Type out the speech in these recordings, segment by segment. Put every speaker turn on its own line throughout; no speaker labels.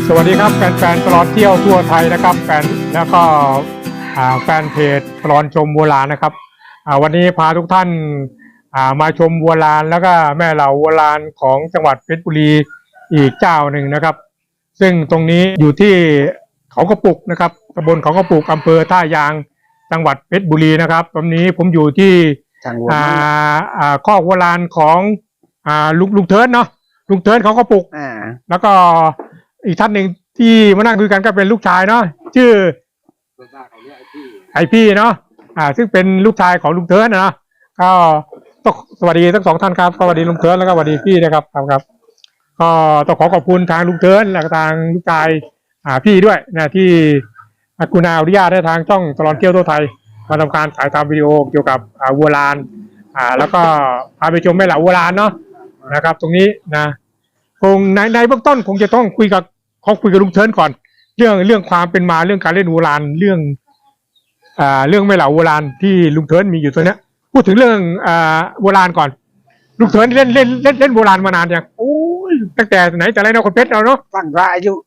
สวัสดีครับแฟนๆตลอดเที่ยวทั่วไทยนะครับแล้วก็แฟนเพจตลอดชมวัวลานนะครับวันนี้พาทุกท่านมาชมวัวลานแล้วก็แม่เหล่าวัวลานของจังหวัดเพชรบุรีอีกเจ้าหนึ่งนะครับซึ่งตรงนี้อยู่ที่เขากระปุกนะครับตำบลเขากระปุกอำเภอท่ายางจังหวัดเพชรบุรีนะครับตอนนี้ผมอยู่ที่คอกวัวลานของลุงเทิร์นเนาะลุงเทิร์นเขากระปุกแล้วก็อีกท่านหนึ่งที่มานั่งคุยกันก็เป็นลูกชายเนาะชื่อไอพี่เนาะซึ่งเป็นลูกชายของลุงเทิร์นนะก็ต้องสวัสดีทั้งสองท่านครับสวัสดีลุงเทิร์นแล้วก็สวัสดีพี่นะครับครับก็ต้องขอบคุณทางลุงเทิร์นและทางลูกชายพี่ด้วยนะที่คุณอนุญาตให้ทางช่องตลอดเที่ยวทั่วไทยมาทำการถ่ายทำวิดีโอเกี่ยวกับวัวลานแล้วก็พาไปชมแม่เหล่าวัวลานเนาะนะครับตรงนี้นะคงในเบื้องต้นคงจะต้องคุยกับลุงเทิร์นก่อนเรื่องความเป็นมาเรื่องการเล่นวัวลานเรื่องแม่เหล่าวัวลานที่ลุงเทิร์นมีอยู่ตัวเนี้ยพูดถึงเรื่องวัวลานก่อนลุงเทิร์นเล่นวัวลานมานานยังโอ้ยตั้งแต่ไหนแต่ไรเนาะคนเพชรเราเนาะ
ตั้งแต่อายุ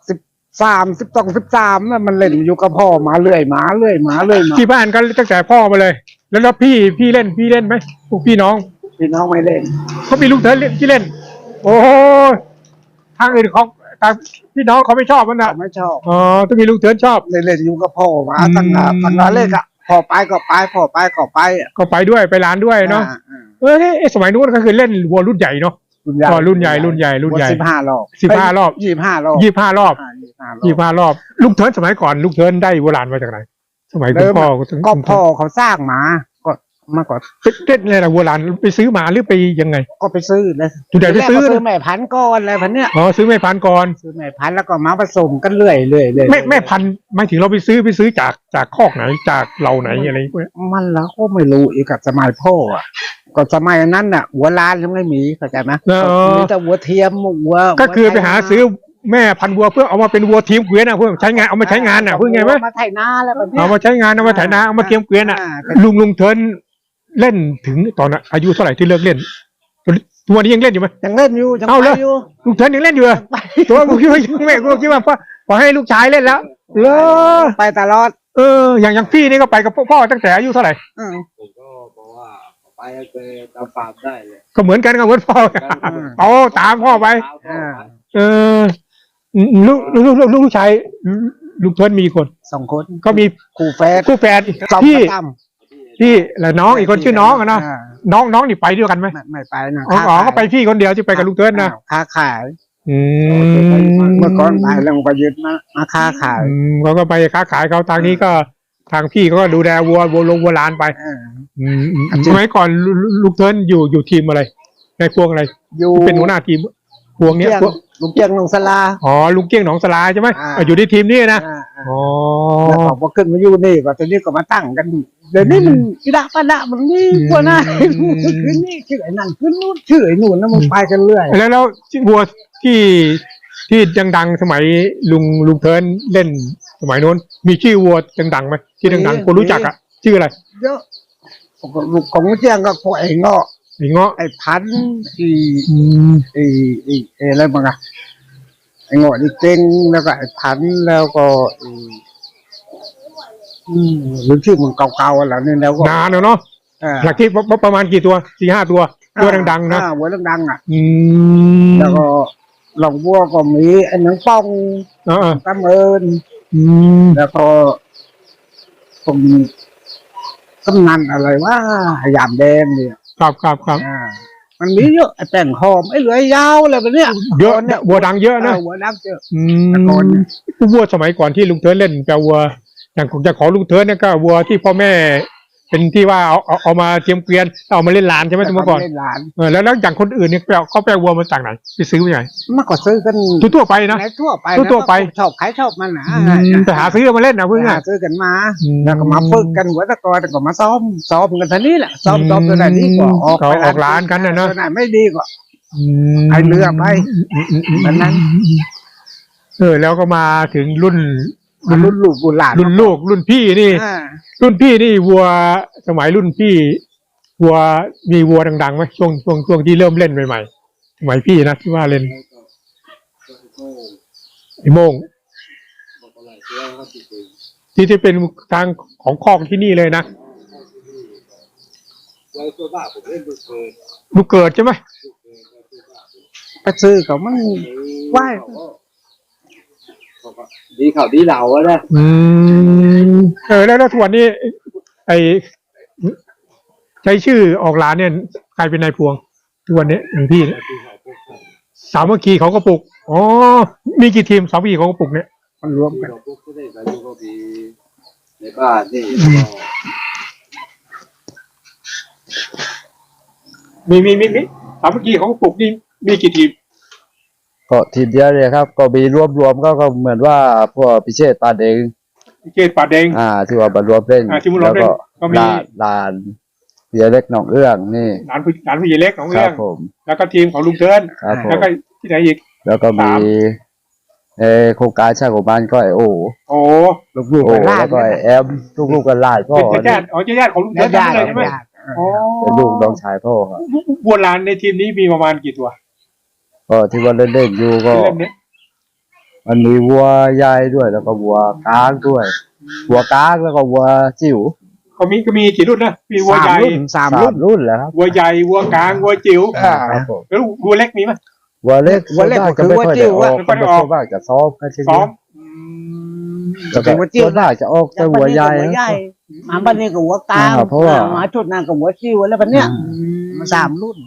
13มันเล่นอยู่กับพ่อมาเรื่อยมา
ที่บ้านก็ตั้งแต่พ่อมาเลยแล้วพี่เล่นไหมพวกพี่น้อง
ไม่เล่น
เขามีลุงเทิร์นที่เล่นโอ้ทางอื่นเขาทางพี่น้องเขาไม่ชอบมันนะ
ไม่ชอบ
ต้องมีลุงเทิร์นชอบ
เล่นอยู่กับพ่อมาตั้งแต่เล็กอ่ะพ่อไปก็ไป
ด้วยไปร้านด้วยเนาะสมัยนู้นก็คือเล่นวัวรุ่นใหญ่เนาะรุ่นใหญ่
15 รอบ
25 รอบ25 รอบลุงเทิร์นสมัยก่อนลุงเทิร์นได้วัวลานมาจากไหนสมัยคุณพ่อ
ก็พ่อเขาสร้างมามาก่อน
เล่นอะไรนะวัวลานไปซื้อมาหรือไปยังไง
ก็ไปซื้อเลย
จุดไหนไปซื้อ
แม่พันธุ์ก่อนอะไรพันเนี้ย
ซื้อแม่พันธุ์ก่อน
ซื้อแม่พันธุ์แล้วก็มาผสมกันเรื่อย
แม่พันธุ์ไม่ถึงเราไปซื้อจากคอกไหนจากเราไหนอะไรพวกนี้
มันแล้วก็ไม่รู้อีกกับสมัยพ่ออ่ะก็สมัยนั้นน่ะวัวลานยังไม่มีเข้าใจไหมมีแต่วัวเทียมวัว
ก็คือไปหาซื้อแม่พันธุ์วัวเพื่อเอามาเป็นวัวทีมเกวียนเพื่อใช้งานเอามาใช้งานเพื่อไงไหม
มาไถนาแล้วแบบนี้
เอามาใช้งานเอามาไถนาเอามาเทียมเกวียนลุงเทิร์นเล่นถึงตอนอายุเท่าไหร่ที่เลิกเล่นตัวนี้ยังเล่นอยู่ไหม
ยังเล่นอยู่
เอาเลยลุงเทิร์นยังเล่นอยู่ตัวกูคิดว่าแม่กูคิดว่าพอให้ลูกชายเล่นแล้วเลย
ไปตลอด
อย่างพี่นี่ก็ไปกับพ่อตั้งแต่อายุเท่าไหร่
ผมก็บอกว่าไปเคยตามฟาร์มได้เลย
ก็เหมือนกันกับเหมือนพ่อตามพ่อไปลูกชายลุงเทิร์นมีคน
2 คน
ก็มี
คู่แฝด
พี่และน้องอีกคนชื่อน้องนะน้องนี่ไปด้วยกันไหม
ไม่ไปนะ
ก็ไปพี่คนเดียวที่ไปกับลุงเทิร์นนะ
ค้าขายเมื่อก่อนไปแล้วไปยึดมาค้าขาย
เขาก็ไปค้าขายเขาทางนี้ก็ทางพี่ก็ดูแลวัวลานไปสมัยก่อนลุงเทิร์นอยู่ทีมอะไรในพวงอะไรเป็นหัวหน้าทีมพวงเนี้ย
ลุงเกี้ยงหนองสลา
ลุงเกี้ยงหนองสลาใช่ไหมอยู่ในทีมนี้นะ
แล้วพอขึ้นมาอยู่นี่ก็ตอนนี้ก็มาตั้งกันเดี๋ยวนี้มันกีฬาป้าดะมันนี่กว่าหน้าขึ้นนี่ชื่อไอ้นั่นขึ้นนู่นชื่อไอ้นู่นนะมันไปกันเรื่อย
แล้ววัวที่ดังสมัยลุงเทิร์นเล่นสมัยโน้นมีชื่อวัวดังไหมที่ดังคนรู้จักชื่ออะไร
เยอะของเจียงก็พวกไอ้เงาะไอ้พันอะไรบ้างอะไอ้เงาะนี่เก่งแล้วก็ไอ้พันแล้วก็หรือชื่อมันเก่าๆอะไรนี่แล้วก็
นานเนาะหลักที่ประมาณกี่ตัว4-5 ตัวดังๆนะ
วัวดังแล้วก็หลงวัวก็มีไอ้หนังป้องตะเมินแล้วก็ผมกำนันอะไรว่ายามแดงเนี่ย
ครับ
มันมีเยอะไอ้แป้งหอมไอ้เหลือยาวอะไรแบบเนี้ย
เยอะเนี่ยวัวดังเยอะนะ
วัวดังเยอะ
วัวสมัยก่อนที่ลุงเทิร์นเล่นแต่วัวอย่างจะขอลุงเทิร์นเนี่ยก็วัวที่พ่อแม่เป็นที่ว่าเอามาเทียมเกวียนเอามาเล่นลานใช่ไหมสมัยก่อนแล้วอย่างคนอื่นเนี่ยเขาแปลวัวมาจากไหนไปซื้อมาจากไหน
มาก็ซื้อกัน
ทั่วไปนะ
ทั่วไปชอบขายชอบมันนะ
แต่หาซื้อมาเล่นนะเพื่อน
หาซื้อกันมาแล้วก็มาฝึกกันหัวตะกอนก็มาซ้อมกันท่านี้แหละซ้อมตัวไหนดีกว่า
ออกร้านกันนะ
ตัวไหนไม่ดีกว่าไอเรือไปแบบนั้น
แล้วก็มาถึงรุ่น
ลูก
รุ่นพี่นี่วัวสมัยรุ่นพี่วัวมีวัวดังๆไหมช่วงที่เริ่มเล่นใหม่ๆสมัยพี่นะที่ว่าเล่นไอ้โม่ง
บอกอะไรเรื่องเขาติดเอง
ที่เป็นทางของคอกที่นี่เลยนะ
ไว้ตัวบ้าผมเล่นลูกเกิน
ลูกเกิดใช่ไหม
ลูกเกินไว้ตัวบ้าผม
ไปซื้อเขามัน ไหว้
เขาก็ดีเขาดีเหล่าอะนะ
แล้วทุกวันนี้ไอใช้ชื่อออกร้านเนี่ยใครเป็นนายพวงทุกวันนี้อย่างพี่เนี่ย
ที่เขาพวกเขา
สามัคคีเขาก็ปลุกอ๋อมีกี่ทีมสามัคคีเขาก็ปลุกเนี่ย
มันรวม
ที่
กัน
เราพวกเขาได้อายุก็มีในบ้านนี่
มีสามัคคีเขาก็ปลุกนี่มีกี่ทีม
ก็ทีมเดียวเลยครับ ก็มีรวมก็เหมือนว่าพวกพิเชษปานเอง
เกตป่าแดง
ที่ว่าบรรวมเล่น
ที่มารวมเล่นก็มี
ลานเบียเล็กหนองเอื้องนี่
หลานผู้ใหญ่เล็กของ
ค
เรื่
รั
อบ ง
ผม
แล้วก็ทีมของลุงเทิน
ครับผม
แล้วก็ที่ไหนอีก
แล้วก็มีโครงการช่างของบ้านก็ไอโอ
โอ้
ลูก
โอ
ๆกันล่า
แล้วก็ไอแอมลูกๆกันหลายพ่อ
เป็นญาติอ๋อญาติของลุงเทิน
ญาติ
เลยใช่ไหม
ญาติ
อ๋อ
เป็นลูกน้องชายพ่อครับ
บัวลานในทีมนี้มีประมาณกี่ตัว
ก็ที่ว่าเล่นๆอยู่ก็
เล่นเนี้ย
มันมีวัวใหญ่ด้วยแล้วก็วัวกลางด้วยวัวกลางแล้วก็วัวจิ๋ว
ก็มีกี่รุ่นนะมีวัวใหญ่
สาม
สา
รุ่
ม
น
รุ่นแล้วครับ
วัวใหญ่วัวกลางวัวจิ๋ว
ครับผม
แล้ววัวเล็กมีไหม
วัวเล็ก
วัวเล็ก
ส่นมาก
ก็คือ
จะไม่ค่อยได้ออก
วัวจิ๋วอะ
ส่วนมากจะซ้อมกันเช่น
ซ้อ
นี้
ม
แล้วก็ส่วนมากจะออกแต่หัวใหญ่
มาบ้านนี้กับหัวกลาง
เพราะว่า
มาชุดนั้นกับหัวจิ้วแล้วบันเนี้ยมันสามรุ่น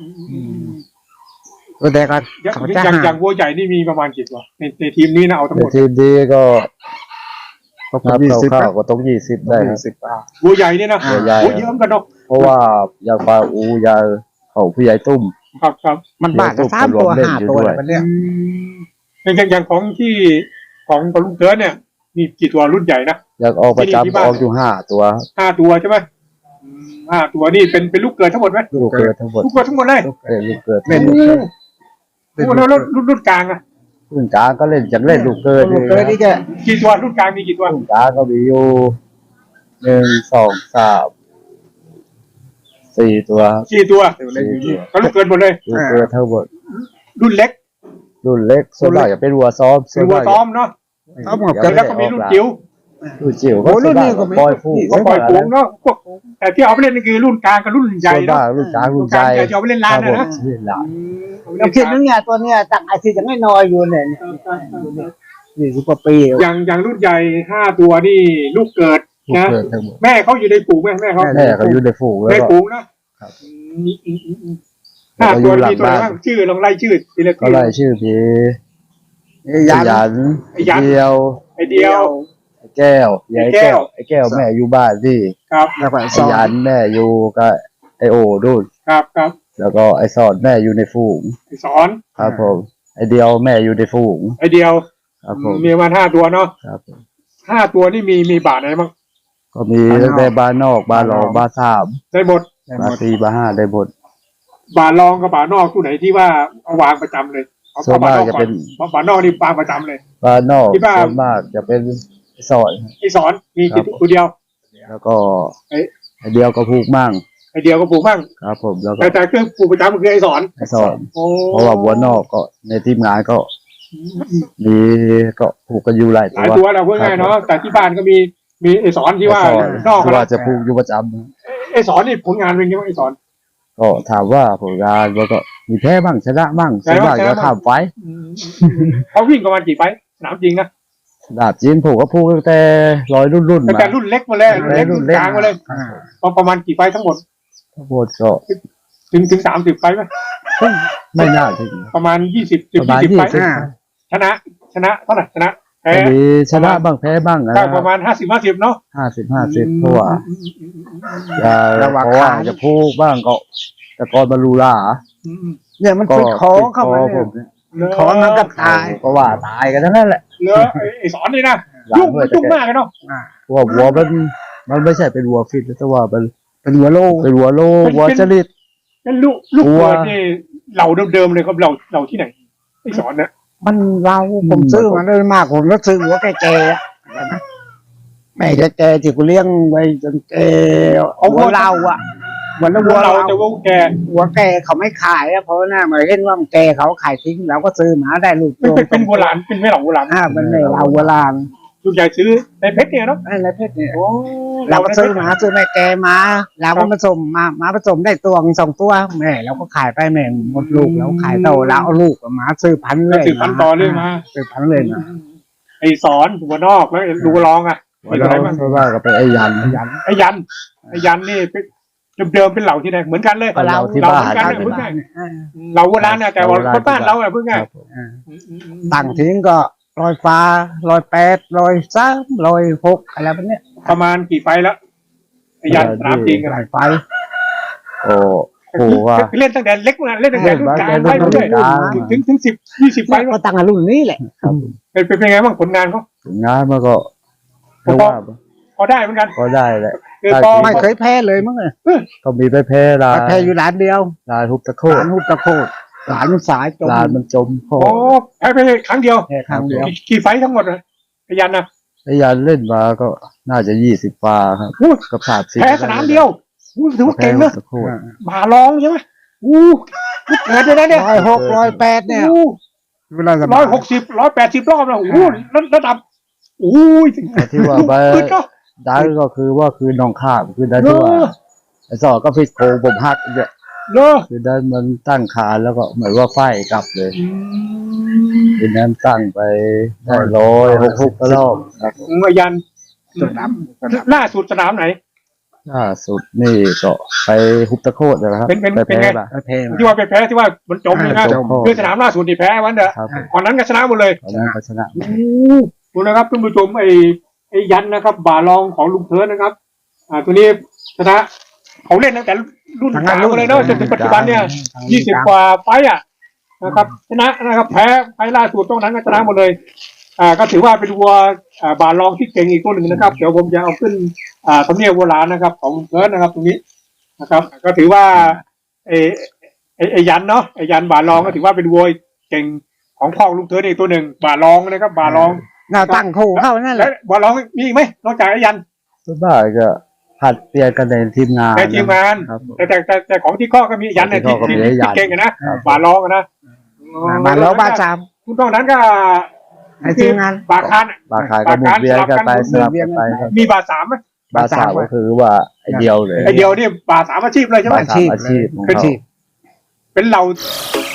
แต่ก็
อย่าง
เขา
อ
จะ
ย่าง
หา
อย่างวัวใหญ่นี่มีประมาณกี่ตัวในทีมนี้นะเอาทั้ง
ใน
หมด
ทีมดีก็
ก็
นับ
20
คร่าวๆก็ต้อง20ได้ครับ
วัวใหญ่นี่นะ
วัวใหญ่
โอ้เยอะเหมือนกันเนาะ
เพราะว่าอย่างปลาอูอย่างเขาผู้ใหญ่ตุ้ม
ครับ
มันบาทก็3 ตัว 5 ตัวแล้วบันเนี้ย
อย่างของที่ของลุงเทินเนี่ยมีกี่ตัวรุ่นใหญ่นะ
อยากออกประ
ที่
จำ
ที่บ้าน
ออกอยู่5 ตัว
5 ตัวใช่ไหม5 ตัวนี่เป็นลูกเกิดทั้งหมดไหม
ลูกเกิดทั้งหมด
ลูกเกิดทั้งหมดเลย
ลูกเกิด
เล่น
โอ้แล้วรุ่นกลางอะ
รุ่นกลางก็เล่นจากเล่นลูกเกิด
ลูกเกิดนี่จะ
กี่ตัวรุ่นกลางมีกี่ตัว
รุ่นกลางก็มีอยู่1 2 3 4 ตัวครับ
4 ตัว
4 ตัว
ก็ลูกเกิดหมดเลย
ลูกเกิดทั้งหมด
รุ่นเล็ก
รุ่นเล็กส่วนมากจะเป็นวัวซ้อม
เป็นวัวซ้อมเนาะ
เอาหมด
แล้วก็มีรุ่นจิ๋ว
รุ่นจิ๋ว
โอ้รุ่นนี้ก็มี
ปล่อยผู้
ก็ปล่อยฝูงเนาะพวกแต่ที่เอาไปเล่นนี่คือรุ่นกลางกับรุ่นใหญ่
ส่วน
เนาะ
มากรุ่นกลางรุ่นใหญ่
จะเอาไปเล่นลานนะนะ
เล่นลาน
เราคิดนึงเนี่ยตัวเนี้ยตั้งอาชีพยังไม่น้อยอยู่เนี่ย40 กว่าปี
อย่างรุ่นใหญ่5 ตัวนี่ลูกเกิด
ลูก
นะ
เกิดทั้งหมด
แม่เขาอยู่ในฝูงไหมแม่เขา
แม่เขาอยู่ในฝูงแล้ว
ใน
ก็
ฝูงนะครับ
แล้วก็
5
อ
ตัว
ยู่หลัง
มีตัวอะไร
บ้าน
บ้างชื่อลองไล่ชื่อทีละ
ก็
ชื่อ
ไล่ชื่อพี่
ยัน
ยัน
ไอ้ยัน
เดียว
ไอเดียว
ไอ้แก้วยาย
ไอ้แก้
แก้
ว
วไอ้แก้วแม่อยู่บ้านพี่
ครับ
แล้วก็
ไอ้
สอง
ยันแม่อยู่กับไอโอดูน
ครับ
แล้วก็ไอสอนแม่อยู่ในฝูง
ไอสอน
ครับผมไอเดียวแม่อยู่ในฝูง
ไอเดียว
ครับผม
มีประมาณ5 ตัวเนาะ
ครับผม
5 ตัวนี่มีบาทไหนบ้าง
ก็มีตั้งแต่บ้านนอกบ้านรองบ้านสาม
ได้หมด
บ้าน4บ้าน5ได้หมด
บาทรองกับบาทนอกตัวไหนที่ว่าเอาวางประจำเลยเอา
ส่วนมากจะเป็น
บาทนอกนี่วางประจำเลย
บ้านนอก
ที่บ้าน
ส่วนมากจะเป็นไอ้สอน
ไอสอนมี
ครับ
ตัวเดียว
แล้วก็
เอ๊ะ
ไอเดียวก็พูกมั่ง
ไอเดียวก็ปลูกบ้าง
ครับผมแล้วก็
แต่เครื่องปลูกประจำคือไอสอน
ไอสอน
โอ้
เพราะว่าวัวนอกก็ในทีมงานก็มีก็ผูกกันอยู่หลาย
ห
ตั
ลายว ตัวเราพูดง่ายเนาะแต่ที่บ้านก็มีไอสอนที่ว่า
ไอ้สอน
นอก
ที่
นะ
ว่าจะผูกอยู่ประจำ
ไอสอนนี่ผลงานเป็นยังไงไอสอน
ก็ถามว่าผลงานมันก็มีแพ้บ้างชนะบ้าง
ใช่
ส่วน
บ้าง
มาก
ชนะ
จะ
บ้าง
ทำไฟท์
เขาวิ่งประมาณกี่ไฟท์สนามจริงนะ
ดาบจีนผูกก็ผูกตั้งแต่รุ่น
ตั้ง
มา
แต่รุ่นเล็กมาเลยรุ่นเล็ก
รุ่
รุ่น
นเล็ก
กลางมาเลยประมาณกี่ไฟท์ทั้งหมด
ทั้งหมดก็
ถึง30ไฟท์ไหม
ไม่น่าถึง
ประมาณ20
ประมาณ
20ไฟท์
20
ชนะเท่าไหร่ชนะแพ้
มีชนะบ้างแพ้บ้างนะ
ได้ประมาณ50-50เนาะ
50เพราะว่าเพราะว่าจะผูกบ้างก็แต่ก่อนบรรลุลา
เนี่ยมันติดคอเข้ามา
ผ
เนี่ย
ม
คอมันก็ตาย
ก็ว่าตายกันทั้งนั้นแหละ
เหลือไอสอนนี่นะ
หลัง
ยุ่ง
ด้วย
ยุ่งมากเลยเนาะ
เพราะว่าวัวมันไม่ใช่เป็นวัวฟิตแต่ว่ามัน
เป็นหัวโล
เป็นวัวโลวัวจริต
นั่นลูก
กลัว
เกิดนี่เหล่าเดิมๆเลยครับเราที่ไหนไอสอนเนี่ย
มันเราผมซื้อมาได้มากผมก็ซื้อหัวแก่ๆอะแม่แก่ๆที่กูเลี้ยงไว้จนแก่เอาหัวเราอ่ะวันละวั
วั
ว
วเรา
เรา
จะวัวแก่
วัวแก่เขาไม่ขายอะเพราะว่าหน้ามาเห็นว่ามันแก่เขาขายทิ้งเราก็ซื้อมาได้ลูก
เป็นโบราณเป็นแม่เหล่าโบราณ
มันไม่เราโบราณ
ลูกใหญ่ซื้อในเพชรเนี่ยเนาะ
อะไรเพชรเนี่ย
โอ้
เราก็ซื้อมาซื้อแม่แกมาเราก็ผสมมาผสมได้ตัวสองตัวแม่เราก็ขายไปแม่หมดลูกเราขายโตแล้วเอาลูกมาซื้อพันธุ์เลย
ถือพันต่อเรื่อยมา
ซื้อพันธุ์เลยนะ
ไอสอนหัวนอกแล้วดูรองอ่ะ
วันเราเพราะว่าก็ไปไอ้ยัน
ไอยันนี่เดิมเป็นเหล่าที่ไหนเหมือนกันเลย
เราที่
เรา
บ้า
เหมื
น
อนกัน
ค
เลย
รับ
เพิ่งไงเราโบราณนะแต่ว่าคนบ้านเราอะเพิ่งไง
ต่างทิ้งก็ลอยฟ้าลอยแปดลอยสามลอยหกอะไรแบบเนี้ย
ประมาณกี่ไฟแล้วไอยันสนามจริงอะ
ลอยไฟ
โอ้โหว่า
เล่นตั้งแต่เล็กมาเล่นตั้งแต่รุ่นกลางไป
เล่น
เรื่อย
กลาง
ถึง10-20ไฟ
ก็ตั้งแต่รุ่นนี้แหละ
เป็นไงบ้างผลงานเขา
งานมันก็เรียกว่า
พอได้เหมือนกัน
ก็ได้แหละ
คือพอ
ไม่เคยแพ้เลยมั้งเลย
ก็มีไปแพ้ลา
แพ้อยู่ร้านเดียว
ลาทุบตะโค
ร้านหุบตะโคดร้านสายจม
ลานมันจมโค
โอ้แพ้ไปครั้งเดียว
แค่ครั้งเดียว
กี่ไฟทั้งหมดเลยไอยันนะ
ไอ้ยันเล่นมาก็น่าจะ20 ฟาครับ
อู้
กับ30
แพ้สนามเดียวอู้ถือว่าเก่งนะ
ตะโค
บาลองใช่ไหมอู้เกิดเลยนะเนี่ย
106 108เนี่ย
อู้
เวลาสบาย
160 180 รอบแล้วโอ้โหระดับโอ้ย
แต่ที่ว่าไป
ขึ้นเนาะ
ได้ก็คือว่าคือน้องข้ามคือได้ที่ว่าไอ้สอก็ฟิตโคผมหักเนี่ย
เนาะ
คือได้มันตั้งคานแล้วก็เหมือนว่าไฟกลับเลยทีนั้นตั้งไปได้166 รอบครับ
ไอยัน
จุดดำ
ล่าสุดสนามไหน
ล่าสุดนี่ก็ไปฮุบตะโคดนะครับ
เป็น
ไป
เป็น
แพ้
ไง
ป่ะ
แพ้
ที่ว่าไปแพ้ที่ว่ามันจมเลยนะ
จม
คือสนามล่าสุดที่แพ้วันเด้อ
ครับ
ก่อนนั้นก็ชนะหมดเลย
ตอนนั้นก็ชนะ
ดูนะครับท่านผู้ชมไอ้ยันนะครับบาลองของลุงเทิร์นนะครับ ตัวนี้ชนะเขาเล่นตั้งแต่รุ่นกลางมาเลยเนาะจนถึงปัจจุบันเนี่ย20 กว่าไฟต์อ่ะนะครับชนะนะครับแพ้ไฟต์ล่าสุดตรงนั้นก็ชนะหมดเลยก็ถือว่าเป็นวัวบาลองที่เก่งอีกตัวหนึ่งนะครับเดี๋ยวผมจะเอาขึ้นทำเนียบโบราณนะครับ ของลุงเทิร์นนะครับตรงนี้นะครับ ก็ถือว่าไอ้ยันเนาะไอ้ยันบาลองก็ถือว่าเป็นวัวเก่งของพ่อลุงเทิร์นอีกตัวหนึ่งบาลองนะครับบาลอง
หน้าตั้งคู่เข้านั่นแห
แล้
ละ
วบอลร้องมีอีกไหมนอกจากไอ้ยัน
ส่วนมากก็ผัดเปลี่ยนกันในทีมงาน
ในทีมงาน
ครับ
แต่ของที่ข้อก็มียันเนี่ย
ของที่
ที่
ข้อก็มียัน
เก่งอะนะบาลร้องอะนะ
มาแล้วบ้านสาม
คุณตรงนั้นก็
ให้ทีมงาน
บาคาน
บาขายก็หมุนเวียนกันไปสลับกันไปครับ
มีบาสามไหม
บาสาวก็คือว่าไอเดียวเลย
ไอเดียวนี่บาสามอาชีพเลยใช่ไหม
บาสามอาชีพของ
เป็น
เขา
เป็นเรา